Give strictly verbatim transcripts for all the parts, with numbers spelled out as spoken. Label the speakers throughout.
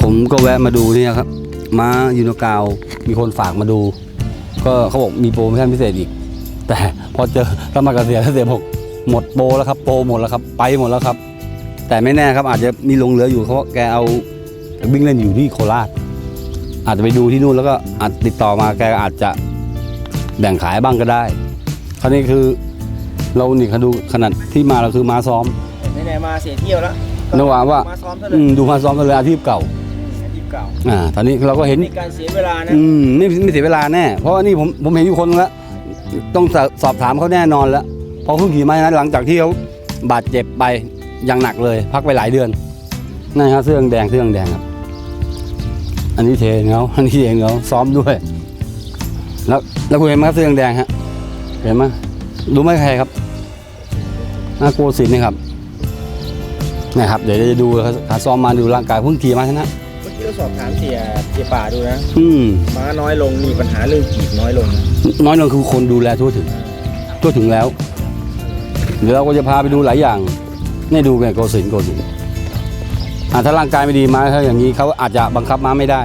Speaker 1: ผมก็แวะมาดูเนี่ยครับม้ายูโนกาวมีคนฝากมาดูก็เขาบอกมีโปรโมชั่นพิเศษอีกแต่พอเจอสมัครเกษียณเกษียณบอกหมดโปรแล้วครับโปรหมดแล้วครับไปหมดแล้วครับแต่ไม่แน่ครับอาจจะมีลงเหลืออยู่เพราะแกเอาวิ่งเล่นอยู่ที่โคราชอาจจะไปดูที่นู่นแล้วก็อาจติดต่อมาแกอาจจะแบ่งขายบ้างก็ได้คราวนี้คือเรานี่เขาดูขนาดที่มาเราคือมาซ้อม
Speaker 2: ไหนๆมาเสียเที่ยวแล้ว
Speaker 1: นึกว่าว่าดูมาซ้อมกันเลยอาชีพเก่า
Speaker 2: อาชีพเก่า
Speaker 1: อ่าตอนนี้เราก็เห็น
Speaker 2: ในการเสียเวลานะ
Speaker 1: อืมไม่ไม่เสียเวลาแน่เพราะว่านี่ผมผมเห็นอยู่คนแล้วต้องสอบถามเขาแน่นอนแล้วพอเพิ่งขี่มานะหลังจากที่เขาบาดเจ็บไปอย่างหนักเลยพักไปหลายเดือนนั่นครับเสื้อแดงเสื้อแดงครับอันนี้เทเขาอันนี้เทเขาซ้อมด้วยแล้วแล้วคุณเห็นไหมครับเสื้อแดงฮะเห็นไหมรู้ไหมใครครับนาโกศินนี่ครับนะครับเดี๋ยวจะดูขาซ้อมมาดูร่างกายเพิ่งขี่มาชนะ
Speaker 2: เมื่อกี้เราสอบถามเสียเสียป่าดูนะ
Speaker 1: อืม
Speaker 2: ม้าน้อยลงมีปัญหาเรื่องกีบน้อยลง
Speaker 1: น้อยลงคือคนดูแลทั่วถึงทั่วถึงแล้วเดี๋ยวเราก็จะพาไปดูหลายอย่างนี่ดูไงโกศินโกศินอ่าถ้าร่างกายไม่ดีมาถ้าอย่างนี้เขาอาจจะบังคับม้าไม่ได้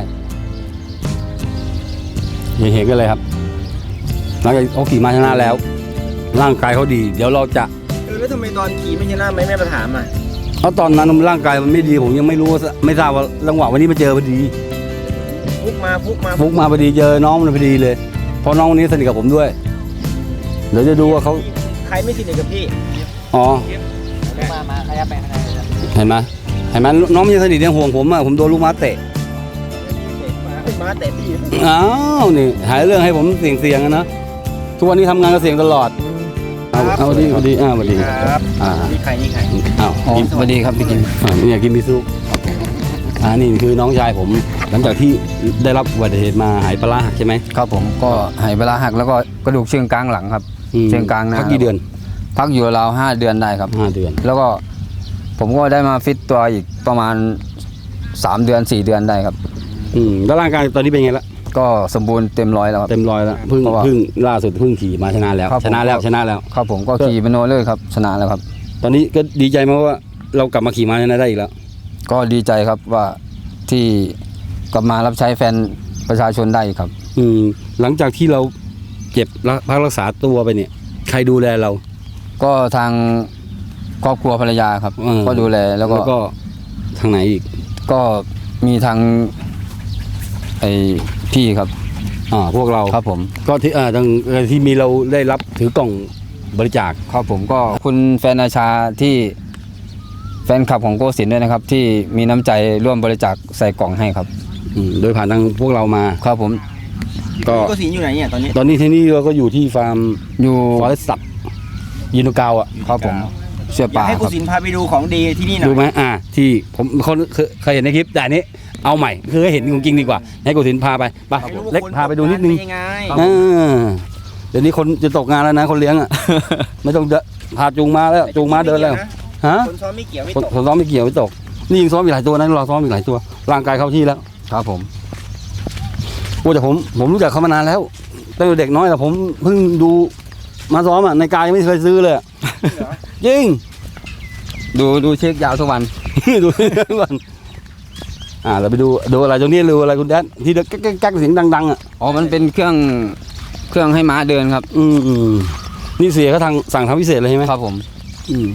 Speaker 1: เห็นกันเลยครับหลังจากเขาขี่ม้าชนะแล้วร่างกายเขาดีเดี๋ยวเราจะ
Speaker 2: เออแล้วทำไมตอนขี่ไม่ชนะไม่แม่ประถามอ่ะ
Speaker 1: เพราะตอนนั้นร่างกายมันไม่ดีผมยังไม่รู้ไม่ทราบว่าจังหวะวันนี้มาเจอพอดี
Speaker 2: ฟุกมาฟุกมา
Speaker 1: ฟุกมาพอดีเจอน้องมันพอดีเลยเพราะน้องคนนี้สนิทกับผมด้วยเดี๋ยวจะดูว่าเขา
Speaker 2: ใครไม่สนิทกับพี่
Speaker 1: อ๋อ
Speaker 2: มามาขยับไปข้างใน
Speaker 1: เห็นไหมเห็นไหมน้องมันยังสนิทยังห่วงผมอ่ะผมโดนลูกม้าเตะ
Speaker 2: ม้าเตะพี่
Speaker 1: อ้าวนี่หายเรื่องให้ผมเสี่ยงเสี่ยงนะทุกวันนี้ทำงานก็เสี่ยงตลอดเอาเอาดีเอาดีอ้าวสวัสดี
Speaker 2: ครับอ่านี่ใครนี่ใคร
Speaker 1: อ้าว
Speaker 3: สวัสดีครับพี่กิน
Speaker 1: อ่านี่อยากกินมิซุอ่านี่คือน้องชายผมหลังจากที่ได้รับอุบัติเหตุมาหายปลาหักใช่ไหม
Speaker 3: ครับผมก็หายปลาหักแล้วก็กระดูกเชิงกลางหลังครับเชิงกลางนะ
Speaker 1: พักกี่เดือน
Speaker 3: พักอยู่ราวห้าเดือนได้ครับ
Speaker 1: ห้าเดือน
Speaker 3: แล้วก็ผมก็ได้มาฟิตตัวอีกประมาณสามเดือนสี่เดือนได้ครับ
Speaker 1: อืมแล้วร่างกายตอนนี้เป็นไงละ
Speaker 3: ก็สมบูรณ์เต็มร้อยแล้วครับ
Speaker 1: เต็มร้อยแล้วเพิ่งเพิ่งล่าสุดเพิ่งขี่มาชนะแล้วชนะแล้วชนะแล้ว
Speaker 3: ครับผมก็ขี่เป็นโนเลยครับชนะแล้วครับ
Speaker 1: ตอนนี้ก็ดีใจมากว่าเรากลับมาขี่ม้าชนะได้อีกแล้ว
Speaker 3: ก็ดีใจครับว่าที่กลับมารับใช้แฟนประชาชนได้ครับ
Speaker 1: อืมหลังจากที่เราเจ็บพักรักษาตัวไปเนี่ยใครดูแลเรา
Speaker 3: ก็ทางครอบครัวภรรยาครับก็ดูแลแล้วก็
Speaker 1: ทางไหนอีก
Speaker 3: ก็มีทางไอพี่ครับ
Speaker 1: อ่าพวกเรา
Speaker 3: ครับผม
Speaker 1: ก็ที่อ่าทางที่มีเราได้รับถือกล่องบริจาค
Speaker 3: ครับผมก็คุณแฟนอาชาที่แฟนคลับของโกศินด้วยนะครับที่มีน้ำใจร่วมบริจาคใส่กล่องให้ครับ
Speaker 1: อืมโดยผ่านทางพวกเรามา
Speaker 3: ครับผม
Speaker 2: ก็โกศินอยู่ไหนเนี่ยตอนนี้
Speaker 1: ตอนนี้ที่นี่เราก็อยู่ที่ฟาร์ม
Speaker 3: อยู่
Speaker 1: ฟอเรสต์สัตว์ยูโนกาวอ่ะ
Speaker 3: ครับผมเสื้อป่า
Speaker 2: ให้โกศินพาไปดูของดีที่นี่หน่อย
Speaker 1: ดูไหมอ่าที่ผมเขาเคยเห็นในคลิปแต่นี้เอาใหม่คือให้เห็นจริงๆดีกว่าให้โกศินพาไปไปเล็กพาไปดูนิดนึงเดี๋ยวนี้คนจะตกงานแล้วนะคนเลี้ยงอ่ะไม่ต้องพาจูงมาแล้วจูงมาเดินแล้วฮะ
Speaker 2: คนซ้อมไม่เกี่ยวไม่
Speaker 1: ตกคนซ้อมไม่เกี่ยวไม่ตกนี่ยิงซ้อมอีกหลายตัวนะเราซ้อมอีกหลายตัวร่างกายเข้าที่แล้ว
Speaker 3: ครับผม
Speaker 1: โอ้แต่ผมผมรู้จักเขามานานแล้วตั้งแต่เด็กน้อยแต่ผมเพิ่งดูมาซ้อมอ่ะในกายยังไม่เคยซื้อเลยจริง
Speaker 3: ดูดูเช็คยาวทุกวัน
Speaker 1: ดูทุกวันอ่าเราไปดูดูอะไรตรงนี้ดูอะไรคุณแดนที่แก๊กแก๊กเสียงดังๆอ่ะ
Speaker 3: อ๋อมันเป็นเครื่องเครื่องให้ม้าเดินครับ
Speaker 1: อืมอืมนี่เสียเขาทางสั่งทำพิเศษเลยใช่ไหม
Speaker 3: ครับผม
Speaker 1: อืม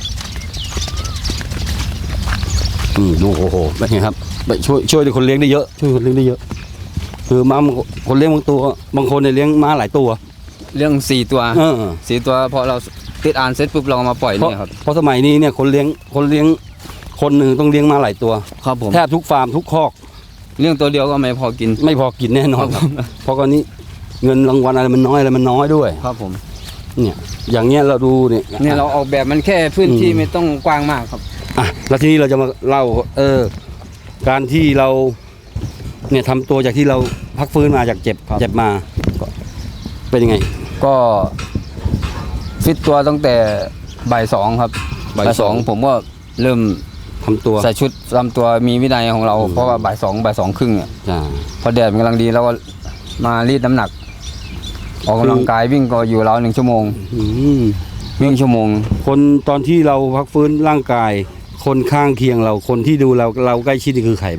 Speaker 1: อืมดูโอ้โหเป็นไงครับไปช่วยช่วยคนเลี้ยงได้เยอะช่วยคนเลี้ยงได้เยอะคือม้าคนเลี้ยงบางตัวบางคนเนี่ยเลี้ยงม้าหลายตัว
Speaker 3: เรื่องสี่ตัวสี่ตัวพอเราติดอ่านเสร็จปุ๊บเรามาปล่อยเนี่ยครับ
Speaker 1: เพราะสมัยนี้เนี่ยคนเลี้ยงคนเลี้ยงคนหนึ่งต้องเลี้ยงมาหลายตัว
Speaker 3: ครับผม
Speaker 1: แทบทุกฟาร์มทุกคอก
Speaker 3: เลี้ยงตัวเดียวก็ไม่พอกิน
Speaker 1: ไม่พอกินแน่นอนเพราะก่อนนี้เงินรางวัลอะไรมันน้อยอะไรมันน้อยด้วย
Speaker 3: ครับผม
Speaker 1: เนี่ยอย่างเงี้ยเราดูเนี่ย
Speaker 3: เนี่ยเราออกแบบมันแค่พื้นที่ไม่ต้องกว้างมากครับ
Speaker 1: อ่ะแล้วทีนี้เราจะมาเล่าเออการที่เราเนี่ยทำตัวจากที่เราพักฟื้นมาจากเจ็บเจ็บมาเป็นยังไง
Speaker 3: ก็ฟิตตัวตั้งแต่บ่ายสองครับบ่ายสองผมก็เริ่ม
Speaker 1: ทำตัว
Speaker 3: ใส่ชุดทำตัวมีวินัยของเราเพราะว่าบ่ายสองบ่ายสองครึ่งเนี่ยพอแดดมันกำลังดีแล้วก็มารีดน้ำหนักออกกำลังกายวิ่งก็อยู่ราวหนึ่งชั่วโมงวิ่งชั่วโมง
Speaker 1: คนตอนที่เราพักฟื้นร่างกายคนข้างเคียงเราคนที่ดูเราเราใกล้ชิดนี่คือใครบ้าง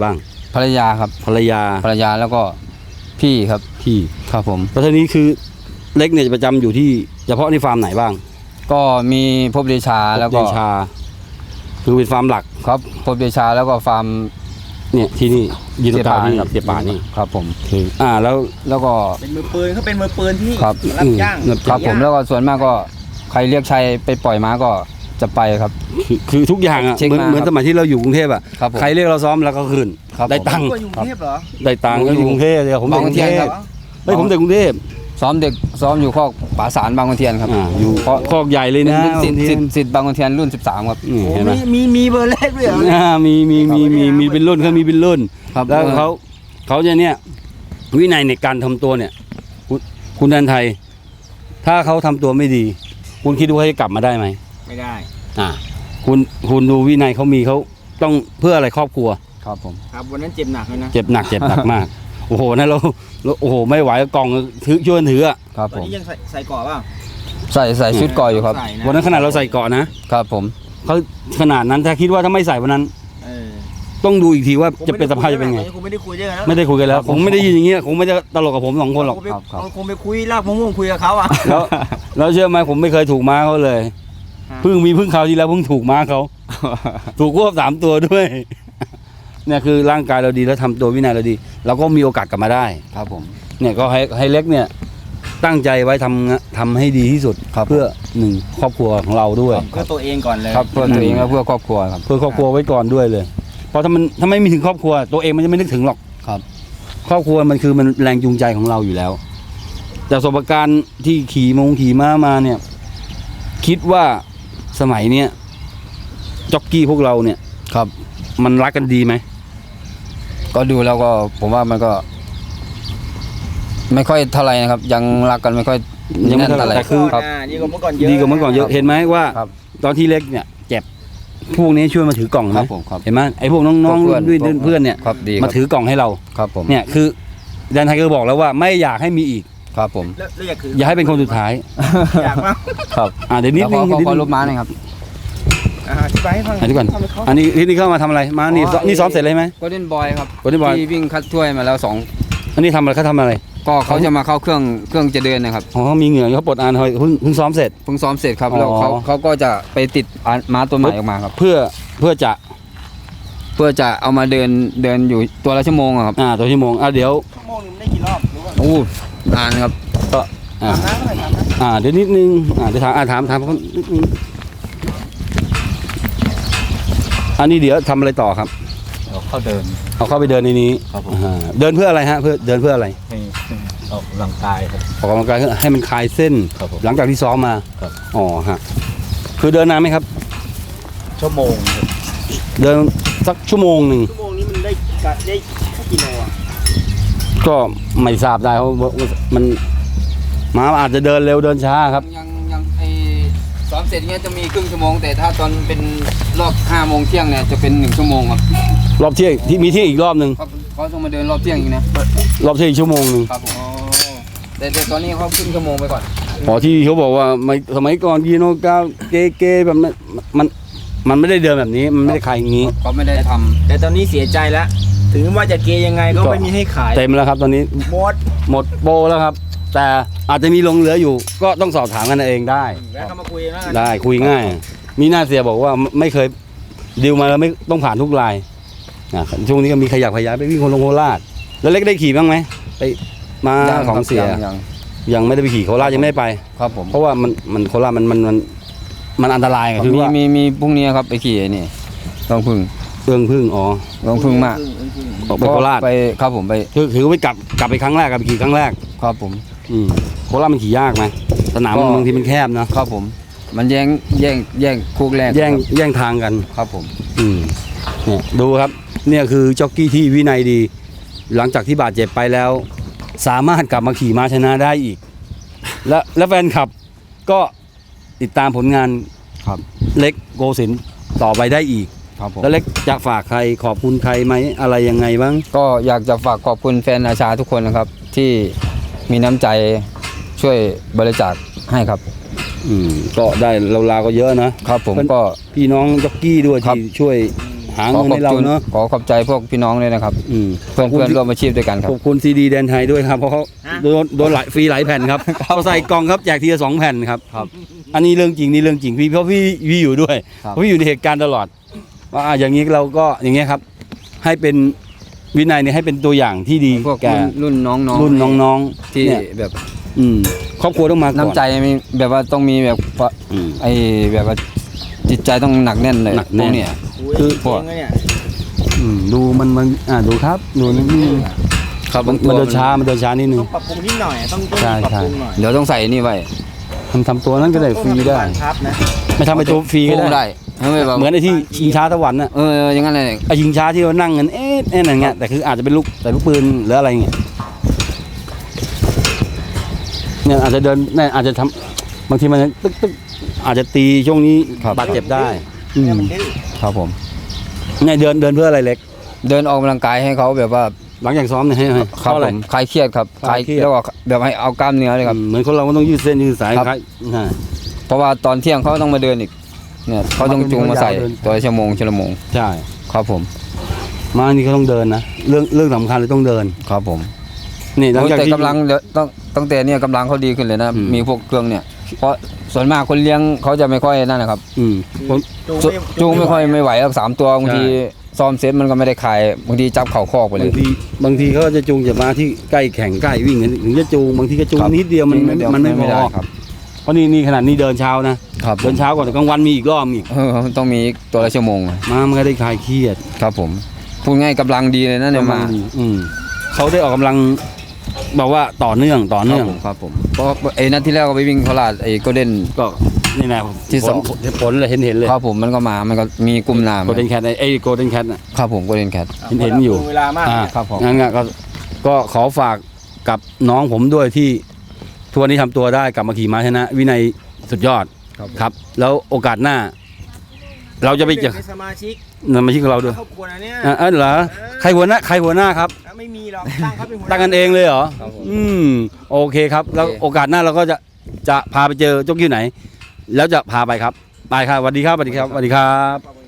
Speaker 3: ภรรยาครับ
Speaker 1: ภรรยา
Speaker 3: ภรรยาแล้วก็พี่ครับ
Speaker 1: พี่
Speaker 3: ครับผม
Speaker 1: แล้วทีนี้คือเล็กเนี่ยจะประจำอยู่ที่เฉพาะในฟาร์มไหนบ้าง
Speaker 3: ก็มีพบเดชาแล้วก็
Speaker 1: เดชาคือเป็นฟาร์มหลัก
Speaker 3: ครับพบเดชาแล้วก็ฟาร์ม
Speaker 1: เนี่ยที่นี่ยินดีที่เสียป่านี่
Speaker 3: ครับผม
Speaker 1: คืออ่าแล้ว
Speaker 3: แล้วก็
Speaker 2: เป็นมือปืนเขาเป็นมือปืนที่
Speaker 3: ครับ
Speaker 2: รับจ้าง
Speaker 1: อืม
Speaker 3: ครับผมแล้วก็ส่วนมากก็ใครเรียกชัยไปปล่อยม้าก็จะไปครับ
Speaker 1: คือคือทุกอย่างอ่ะ
Speaker 3: เช็ค
Speaker 1: เหมือน
Speaker 3: มา
Speaker 1: เหมือนสมัยที่เราอยู่กรุงเทพอ่ะ
Speaker 3: ครับผม
Speaker 1: ใครเรียกเราซ้อมแล้วก็คืน
Speaker 3: ครับ
Speaker 1: ได้
Speaker 3: ผม
Speaker 1: ตังค์
Speaker 2: ก็อยู่กรุงเทพเหรอ
Speaker 1: ได้ตังค์ก็อยู่กรุงเทพเลยผมเด็กกรุงเท
Speaker 3: บางขุนเทียน
Speaker 1: พ
Speaker 3: ครับ
Speaker 1: เฮ้ยผมเด็กกรุงเทพ
Speaker 3: ซ้อมเด็กซ้อมอยู่ข้อกป่าสารบางขุนเทียนครับ
Speaker 1: อ่าอยู่คอกใหญ่เลย
Speaker 3: เป็น
Speaker 1: นะ
Speaker 3: เป็นสิทธิ์
Speaker 1: บางที
Speaker 3: สิทธิ์สิทธิ์บางขุนเทียนรุ่นสิบสามครับ
Speaker 1: นี่
Speaker 2: โอ้
Speaker 1: เห็นไหม
Speaker 2: มีมีมีเบอร์เลขด้วยเหรอ
Speaker 1: อ่ามีมีมีมีมีเป็นรุ่นเขามีเป็นรุ่น
Speaker 3: ครับ
Speaker 1: แล้วเขาเขาจะเนี่ยวินัยในการทำตัวเนี่ยคุณคุณแดนไทย ถ้าเขาทำตัวไม่ดี คุณคิดว่าเขาจะกลับมาได้ไหม
Speaker 2: ไม่ได้
Speaker 1: อ่าคุณคุณดูวินัยเขามีเขาต้องเพื่ออะไรครอบครัว
Speaker 3: ครับผม
Speaker 2: ครับวันนั้นเจ็บหนักเลยนะ
Speaker 1: เจ็บหนักเจ็บหนักมาก โอ้โหนะเราเราโอ้โหไม่ไหวกล่องถือช่วยกันถืออะ
Speaker 3: ครับ
Speaker 2: ตอน
Speaker 3: ผม
Speaker 2: นี้ยังใส่ใส่เกราะเปล่า
Speaker 3: ใส่ใส่ชุดก่ออยู่ครับ
Speaker 2: ใส่ะ
Speaker 1: วันนั้นขนาดเราใส่เกราะนะครับ
Speaker 3: ผม
Speaker 1: เขาขนาดนั้นถ้าคิดว่าถ้าไม่ใส่วันนั้น
Speaker 2: เออ
Speaker 1: ต้องดูอีกทีว่าจะเป็นสภาพจะเป็นไง
Speaker 2: คงไม่ได้คุยด้วยกันแล้ว
Speaker 1: ไม่ได้คุยกันแล้วคงไม่ได้ยินอย่างเงี้ยคงไม่ได้ตลกกับผมสองคนหรอก
Speaker 2: คงไปคงไปคุยลากมะม่วงคุยกับเขาอ่ะ
Speaker 1: แล้วแล้วเชื่อไหมผมไม่เคยถูกม้าเขาเลย
Speaker 2: ฮะ
Speaker 1: เพิ่งมีเพิ่งคราวที่แล้วเพิ่งถูกม้าเขา ถูกควบสามตัวด้วย เนี่ยคือร่างกายเราดีแล้วทำตัววินัยเราดี เราก็มีโอกาสกลับมาได้
Speaker 3: ครับผม
Speaker 1: เนี่ยก็ให้ให้เล็กเนี่ยตั้งใจไว้ทำทำให้ดีที่สุด
Speaker 3: ครับ
Speaker 1: เพื่อหนึ่งครอบครัวของเราด้วย
Speaker 2: เพื่อตัวเองก่อนเลย
Speaker 3: ครับเพื่อตัวเองและเพื่อครอบครัวครับ
Speaker 1: เพื่อครอบครัวไว้ก่อนด้วยเลย เพราะถ้ามันถ้าไม่มีถึงครอบครัว ตัวเองมันจะไม่นึกถึงหรอก
Speaker 3: ครับ
Speaker 1: ครอบครัวมันคือมันแรงจูงใจของเราอยู่แล้ว แต่ประสบการณ์ที่ขี่มงขี่ม้ามาเนี่ย คิดว่าสมัยเนี้ยจ็อกกี้พวกเราเนี่ย
Speaker 3: ครับ
Speaker 1: มันรักกันดีไหม
Speaker 3: ก็ดูแล้วก็ผมว่ามันก็ ไม่ค่อยเท่าไหร่นะครับ ยังรักกันไม่ค่อย
Speaker 1: ยังไม่
Speaker 3: แน่น
Speaker 1: เท่าไหร่
Speaker 3: เท่าไหร่
Speaker 1: แต่คือ
Speaker 3: ครับ
Speaker 2: อ่าดีกว่าเมื่อก่อนเยอะ
Speaker 1: ดีกว่าเมื่อก่อนเยอะ
Speaker 3: ครับ
Speaker 1: เห็นไหมว่า
Speaker 3: ครับ
Speaker 1: ตอนที่เล็กเนี่ยเจ็บพวกนี้ช่วยมาถือกล่อง
Speaker 3: ค
Speaker 1: ไหม
Speaker 3: รับผมครับ
Speaker 1: เห็นไหมไอ้พวกน้อง
Speaker 3: พวก
Speaker 1: ๆด้วย
Speaker 3: พวก
Speaker 1: เพื่อนเนี่ย
Speaker 3: ครับดี
Speaker 1: มา
Speaker 3: ครับ
Speaker 1: ถือกล่องให้เรา
Speaker 3: ครับผม
Speaker 1: เนี่ยคือแดนไทยก็บอกแล้วว่าไม่อยากให้มีอีก
Speaker 3: ครับผม
Speaker 2: แล้วแล้วอยากคือ
Speaker 1: อย่าให้เป็นคนสุดท้าย
Speaker 2: อยากมาก
Speaker 3: ครับ
Speaker 1: อ่าเดี๋ยวนิด
Speaker 3: แล้ว
Speaker 1: นึ
Speaker 3: ข
Speaker 1: ง
Speaker 3: อขอ
Speaker 1: นิด
Speaker 3: ขอ
Speaker 1: นึ
Speaker 3: รู
Speaker 1: ง
Speaker 3: ปม้าหน่อยครับ
Speaker 2: อ่าอธิบายให้ฟัง
Speaker 1: อ่ะเดี๋ยวก่อน
Speaker 2: ทำให้เขา
Speaker 1: อันนี้ที่นี่เข้ามาทำอะไรมานี่
Speaker 3: อ๋อ
Speaker 1: นี่ซ้อมเสร็จเลยไหม
Speaker 3: โกลเด้นบอยครับ
Speaker 1: Golden Boy
Speaker 3: ที่วิ่งคัดถ้วยมาแล้วสอง
Speaker 1: อันนี้ทำอะไรเขาทำอะไร
Speaker 3: ก็เขาจะมาเข้าเครื่องเครื่องจะเดินนะครับ
Speaker 1: อ๋อเขามีเหงื่อเขาปลดอานเฮ้ยเพิ่งเพิ่งซ้อมเสร็จ
Speaker 3: เพิ่งซ้อมเสร็จครับ
Speaker 1: อ๋อ
Speaker 3: แล้วเขาเขาก็จะไปติดอ่าม้าตัวใหม่ออกมาครับ
Speaker 1: เพื่อเพื่อจะ
Speaker 3: เพื่อจะเอามาเดินเดินอยู่ตัวละชั่วโมงอะครับ
Speaker 1: อ่าตัวชั่วโมงอ่าเดี๋ยว
Speaker 2: ชั่วโมงหนึงได้กี่รอบรู้ป่ะ
Speaker 3: โอ้นานครับ
Speaker 1: ก็อ่า
Speaker 2: ทำน้ำหน่อยทำน้ำ
Speaker 1: อ่าเดี๋ยวนิดนึงอ่าเดี๋ยวถามอ่าถามถามเขานิดนึงอันนี้เดี๋ยวทำอะไรต่อครับ
Speaker 4: เขาเดิน
Speaker 1: เอาเข้าไปเดินในนี้
Speaker 4: ครับผม
Speaker 1: อ่าเดินเพื่ออะไรฮะเพื่อเดินเพื่ออะไร
Speaker 4: ให้ให้ออกกำลังกายครับ
Speaker 1: ออกกำลังกายให้มันคลายเส้น
Speaker 4: ครับผม
Speaker 1: หลังจากที่ซ้อมมา
Speaker 4: ครับ
Speaker 1: อ๋อฮะคือเดินนานไหมครับ
Speaker 4: ชั่วโมงครับ
Speaker 1: เดินสักชั่วโมงหนึ่ง
Speaker 2: ชั่วโมงนี้มันได้กะได้กี่โลอ่ะ
Speaker 1: ก็ไม่ทราบได้เพราะว่ามันหมาอาจจะเดินเร็วเดินช้าครับ
Speaker 3: ยังยังไอซ้อมเสร็จเนี้ยจะมีครึ่งชั่วโมง แต่ถ้าตอนเป็นรอบห้าโมงเที่ยงเนี่ยจะเป็นหนึ่งชั่วโมงครับ
Speaker 1: รอบเที่ยงที่มีเที่ยงอีกรอบหนึ่ง
Speaker 3: เขาเขาต้องมาเดินรอบเที่ยงอีกนะ
Speaker 1: รอบเที่ยงอีกชั่วโมงหนึ่ง
Speaker 3: ครับผมแต่แต่ตอนนี้เขาครึ่งชั่วโมงไปก่อน
Speaker 1: อ๋อที่เขาบอกว่าไม่สมัยก่อนยีโนกาเกเกแบบนั้นมันมันไม่ได้เดินแบบนี้มันไม่ได้ขายอย่างนี้
Speaker 3: เขาไม่ได้ทำ
Speaker 2: แต่ตอนนี้เสียใจแล้ว ถึงว่าจะเกย์ยังไงก็
Speaker 1: ก็
Speaker 2: ไม่มีให้ขาย
Speaker 1: เต็มแล้วครับตอนนี้
Speaker 2: หมด
Speaker 1: หมดโปรแล้วครับ แต่อาจจะมีหลงเหลืออยู่ ก็ต้องสอบถามกันเองได้
Speaker 2: แวะเข้ามาคุยแล้วกัน
Speaker 1: ได้คุยง่าย มีหน้าเสียบอกว่าไม่เคยดิวมาแล้วไม่ต้องผ่านทุกรายนะช่วงนี้ก็มีขยักขยายไปวิ่งโคลงโคราชแล้วเล็กได้ขี่บ้างไหมไปมา
Speaker 3: ยัง
Speaker 1: ของ
Speaker 3: ครับ
Speaker 1: เสีย
Speaker 3: ยังยัง
Speaker 1: ยังไม่ได้ไปขี่โคราชยังไม่ได้ไป
Speaker 3: ครับผม
Speaker 1: เพราะว่ามันมันโคราชมันมันมันมันอันตรายไงคือ
Speaker 3: มี
Speaker 1: ว่า
Speaker 3: มีมีพรุ่งนี้ครับไปขี่ไอ้นี่ลองพึ่ง
Speaker 1: เอื้องพึ่งอ๋อ
Speaker 3: ลองพึ่งมาก
Speaker 1: ออกไปโคราช
Speaker 3: ไปครับผมไป
Speaker 1: คือคือไปกลับกลับไปครั้งแรกกลับไปขี่ครั้งแรก
Speaker 3: ครับผม
Speaker 1: อืมโคราชมันขี่ยากไหมสนาม
Speaker 3: ก็
Speaker 1: บางทีมันแคบนะครับ
Speaker 3: ผม มันแย่งแย่งแย่งคู่แรก
Speaker 1: แย่ง
Speaker 3: ครับ
Speaker 1: แย่งทางกัน
Speaker 3: ครับผม
Speaker 1: อืมเนี่ยดูครับเนี่ยคือจ็อกกี้ที่วินัยดี หลังจากที่บาดเจ็บไปแล้ว สามารถกลับมาขี่ม้าชนะได้อีก และและแฟนคลับก็ติดตามผลงาน
Speaker 3: ครับ
Speaker 1: เล็กโกสินทร์ต่อไปได้อีก
Speaker 3: ครับผม
Speaker 1: แล้วเล็กจะฝากใครขอบคุณใครไหมอะไรยังไงบ้าง
Speaker 3: ก็อยากจะฝากขอบคุณแฟนอาชาทุกคนนะครับ ที่มีน้ำใจช่วยบริจาคให้ครับ
Speaker 1: อืมก็ได้เราลาวๆก็เยอะนะครับ
Speaker 3: ผม
Speaker 1: เป็น
Speaker 3: ก็
Speaker 1: พี่น้องจ็อกกี้ด้วย
Speaker 3: ครับ
Speaker 1: ที่ช่วยหาเงินให้เราเนาะ
Speaker 3: ขอขอบใจพวกพี่น้องเลยนะครับ
Speaker 1: อืม
Speaker 3: เพื่อนเพื่อนร่วมอาชีพด้วยกันครับ
Speaker 1: ขอบคุณซีดีแดนไทยด้วยครับเพราะเขาโดนโดนหลายฟรีหลายแผ่นครับเขาใส่กล่องครับแจกทีละสองแผ่นครับ
Speaker 3: ครับ
Speaker 1: อันนี้เรื่องจริงนี่เรื่องจริงพี่เพราะพี่พี่อยู่ด้วย
Speaker 3: ครับ
Speaker 1: เพราะพี่อยู่ในเหตุการณ์ตลอดว่าอ่ะอย่างนี้เราก็อย่างเงี้ยครับ ให้เป็นวินัยเนี่ยให้เป็นตัวอย่างที่ดี
Speaker 3: พวก
Speaker 1: แก่
Speaker 3: รุ่นรุ่นน้องๆ
Speaker 1: รุ่นน้องๆ
Speaker 3: ที่
Speaker 1: เนี่ย
Speaker 3: แบบ
Speaker 1: อืมครอบครัวต้องมาก่อน
Speaker 3: น้ำใจมีแบบว่าต้องมีแบบ
Speaker 1: อืม
Speaker 3: ไอ้แบบว่าจิตใจต้องหนักแน่นเลย
Speaker 1: หนักแน่น
Speaker 3: พวเนี่ย
Speaker 2: คือ
Speaker 3: พวก
Speaker 2: เก่งเลยเนี่ย
Speaker 1: อืมดูมันมันอ่าดูครับดูนี่นี่
Speaker 3: ครับ
Speaker 1: มัน
Speaker 3: บางตัว
Speaker 1: เดินช้ามันเดินช้านิดนึ
Speaker 2: ต้อง งปรับปรุงนิดหน่อยต้องต้อง
Speaker 1: ใช่
Speaker 2: ปรับ
Speaker 1: ใช่
Speaker 2: ปรุงหน่อย
Speaker 3: เดี๋ยวต้องใส่นี่ไว้
Speaker 1: ทำทำตัวนั้นก็ได้ฟรีได้
Speaker 2: ต้องทำเป็นบานพับนะ
Speaker 1: ไม่ทำไปตัวฟรีก็
Speaker 3: โค้ง
Speaker 1: ได้
Speaker 3: ได้ไม่แบบ
Speaker 1: เหมือนไอ้ที่ชิงช้าสวรรค์น่ะ
Speaker 3: เอออย่างนั้นเลย
Speaker 1: ไอ้ชิงช้าที่เรานั่งกันเอ๊ะเอ๊ะอะไรเงี้ยแต่คืออาจจะเป็นลูกแต่ลูกปืนหรืออะไรเงี้ยเนี่ยอาจจะเดินเนี่ยอาจจะทำบางทีมันตึ๊กตึ๊กอาจจะตีช่วงนี้บาดเจ็บได้อืม
Speaker 2: เนี่ยมันดื้อ
Speaker 3: ครับผม
Speaker 1: เนี่ยเดินเดินเพื่ออะไรเล็ก
Speaker 3: เดินออกกำลังกายให้เขาแบบว่า
Speaker 1: หลังจากซ้อมเนี่ยให้ให้
Speaker 3: ครั
Speaker 1: เพราะอะไร
Speaker 3: ผมคลายเครียดครับ
Speaker 1: คลายเครียด
Speaker 3: แล้วก็แบบให้เอากล้ามเนื้อเลยครับ
Speaker 1: อืมเหมือนคนเราก็ต้องยืดเส้นยืดสาย
Speaker 3: ครับ
Speaker 1: คล้ายอ่า
Speaker 3: เพราะว่าตอนเที่ยงเขาต้องมาเดินอีกเนี่ยเขาต้องจูงมาใส่
Speaker 1: เดิน
Speaker 3: ตัวละชั่วโมงชั่วโมง
Speaker 1: ใช่
Speaker 3: ครับผม
Speaker 1: มาอันนี้เขาต้องเดินนะเรื่องเรื่องสำคัญเลยต้องเดิน
Speaker 3: ครับผม
Speaker 1: นี่หลังจาก
Speaker 3: แต่
Speaker 1: ที่
Speaker 3: กำลังเดี๋ยวต้องตั้งแต่เนี่ยกำลังเขาดีขึ้นเลยนะ
Speaker 1: อืม
Speaker 3: มีพวกเครื่องเนี่ยเพราะส่วนมากคนเลี้ยงเขาจะไม่ค่อยนั่นนะครับ
Speaker 1: อืมผม
Speaker 2: จูง
Speaker 3: จูงไม่ค่อยไม่ไหวครับสามตัวบางที
Speaker 1: ใช่
Speaker 3: ซ้อมเซตมันก็ไม่ได้ขายบางทีจับเข่าคอกไปเล
Speaker 1: บาย งทีบางทีเขาจะจูงจะมาที่ใกล้แข่งใกล้วิ่งถึงจะจูงบางทีก็จูง
Speaker 3: ครับ
Speaker 1: นิดเดียวมันไม่
Speaker 3: เดี๋ยว
Speaker 1: มันไม่พ
Speaker 3: ได้
Speaker 1: อ
Speaker 3: ครับ
Speaker 1: เพราะนี่นี่ขนาดนี้เดินเช้านะครับ เดินเช้าก่อนแต่กลางวันมีอีกรอบอีก
Speaker 3: เออต้องมีตัวละชั่วโมง
Speaker 1: มามันก็ได้คลายเครียด
Speaker 3: ครับผมพูดง่ายกำลังดีเลยนะเนี่ยมา
Speaker 1: อืมเขาได้ออกกำลังบอกว่าต่อเนื่องต่อ
Speaker 3: ครั
Speaker 1: เนื่
Speaker 3: บ
Speaker 1: อง
Speaker 3: ผมครับผมเพราะไอ้นัดที่แล้วก็ไปวิ่งโคราชไอ้โกลเด้น
Speaker 1: ก็นี่นะ
Speaker 3: ที่สอง
Speaker 1: ผลผลเลยเห็นเห็นเลย
Speaker 3: ครับผมมันก็มามันก็มีกลุ่มนาม
Speaker 1: โกลเด้นแคทไอ้โกลเด้นแคทน่ะ
Speaker 3: ครับผมโกลเด้นแคท
Speaker 1: เห็นเห็นอยู่
Speaker 2: เวลามาก
Speaker 1: อ่า
Speaker 3: ครับผม
Speaker 1: งั้นก็ก็ก็ขอฝากกับน้องผมด้วยที่ทัวร์นี้ทำตัวได้กลับมาขี่ม้าชนะ วินัยสุดยอด
Speaker 3: ครับ
Speaker 1: ครับ แล้วโอกาสหน้า เราจะไปเจอ
Speaker 2: เป็นสมาชิก
Speaker 1: นำมาชิกของเราด้วย
Speaker 2: ครอบครัวนะเนี่ย
Speaker 1: อ่ะเออเหรอใครหัวหน้าใครหัวหน้าครับ
Speaker 2: ไม่มีหรอกตั้งเขาเป็นหัวหา
Speaker 1: ตั้งกันเองเลยเหรอ
Speaker 3: ครับผม
Speaker 1: อืมโอเคครับ แล้ว
Speaker 3: โอเค
Speaker 1: โอกาสหน้าเราก็จะจะพาไปเจอเจ้ากิ้วไหน แล้วจะพาไปครับไปครับสวัสดีครับสวัสดีครับสวัสดีครับ